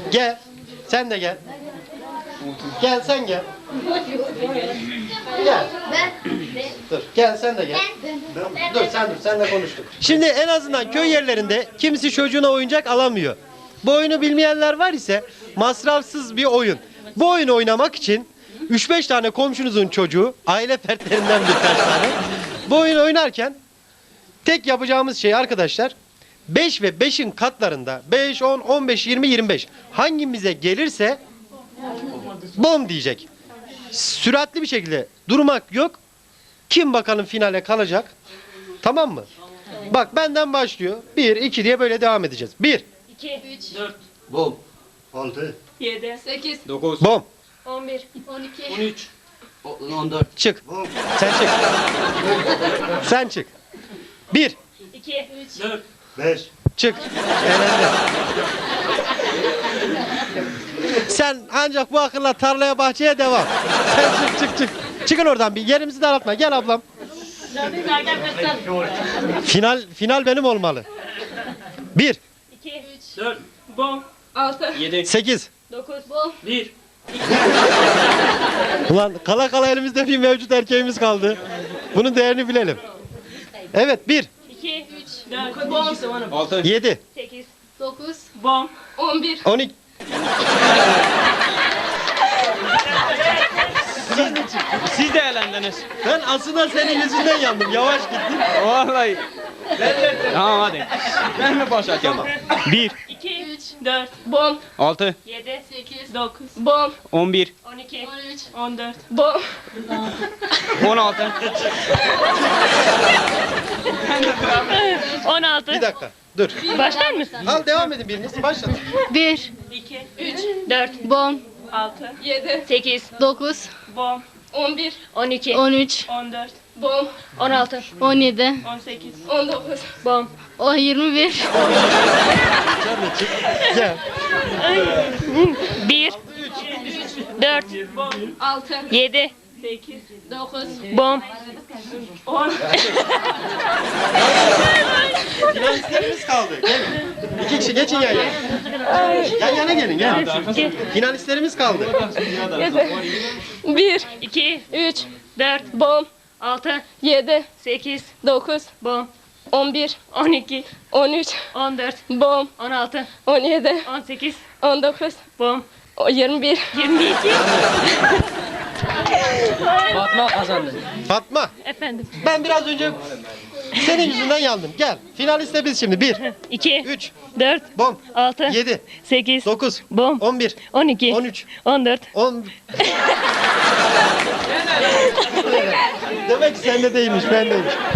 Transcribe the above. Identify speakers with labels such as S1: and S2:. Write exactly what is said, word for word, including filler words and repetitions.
S1: Gel. Sen de gel. Gel sen gel. Gel. Dur gel sen de gel. Dur sen dur senle konuştuk. Şimdi en azından köy yerlerinde kimisi çocuğuna oyuncak alamıyor. Bu oyunu bilmeyenler var ise masrafsız bir oyun. Bu oyunu oynamak için üç beş tane komşunuzun çocuğu, aile fertlerinden birkaç tane. Bu oyunu oynarken tek yapacağımız şey arkadaşlar beş ve beşin katlarında beş, on, on beş, yirmi, yirmi beş hangimize gelirse bom diyecek. Süratli bir şekilde durmak yok. Kim bakalım finale kalacak? Tamam mı? Bak benden başlıyor. bir, iki diye böyle devam edeceğiz. bir,
S2: iki, üç,
S3: dört,
S4: Bom. Altı.
S2: yedi, sekiz,
S3: dokuz,
S1: bom.
S2: on bir, on iki,
S3: on üç,
S4: On dört.
S1: Çık. Sen çık. Sen çık. bir,
S2: iki, üç,
S3: dört,
S4: Beş.
S1: çık. Elendi. Sen ancak bu akılla tarlaya bahçeye devam. Sen çık çık çık. Çıkın oradan bir yerimizi daraltma. Gel ablam. Final final benim olmalı. bir,
S2: iki, üç,
S3: dört, bom,
S2: altı,
S3: yedi,
S1: sekiz.
S2: dokuz, bom,
S3: bir,
S1: Ulan kala kala elimizde bir mevcut erkeğimiz kaldı. Bunun değerini bilelim. Evet bir,
S2: iki, üç, dört, bom,
S3: altı,
S1: yedi,
S2: sekiz, dokuz,
S3: bom,
S2: on bir,
S1: on iki.
S3: siz de eğlendiniz.
S1: Ben aslında senin yüzünden yandım. Yavaş gittin.
S3: Vallahi. Tamam hadi. Ben mi başlatıyorum? bir,
S2: iki, üç, dört, bom,
S3: altı,
S2: yedi, sekiz, dokuz, bom,
S3: on bir,
S2: on iki, on üç, on dört, bom,
S3: on altı,
S2: on altı.
S1: Bir dakika. Dur.
S2: Başlar mı?
S1: Al devam edin biriniz. Başlatın.
S2: bir, iki, üç, dört, bom, altı, yedi, sekiz, dokuz, bom, on bir, on iki, on üç, on dört, bom, on altı, on yedi, on sekiz, on dokuz, bom, o yirmi bir,
S1: Sen de çık. Gel.
S2: bir, dört, altı, yedi, sekiz, dokuz, bom, on.
S1: Finalistlerimiz kaldı. Gelin. İki kişi geçin yan yana. Yan yana gelin gel. Finalistlerimiz kaldı.
S2: bir, iki, üç, dört, bom, altı, yedi, sekiz, dokuz, bom, on bir, on iki, on üç, on dört, bom, on altı, on yedi, on sekiz, on dokuz, bom, yirmi bir, yirmi iki.
S3: Fatma kazandı.
S1: Fatma.
S2: Efendim.
S1: Ben biraz önce senin yüzünden yandım. Gel. Finaliste biz şimdi. bir,
S2: iki,
S1: üç,
S2: dört,
S1: bom,
S2: altı,
S1: yedi,
S2: sekiz,
S1: dokuz,
S2: bom,
S1: on bir,
S2: on iki,
S1: on üç,
S2: on dört.
S1: on... Demek ki sende değilmiş, bendeymiş.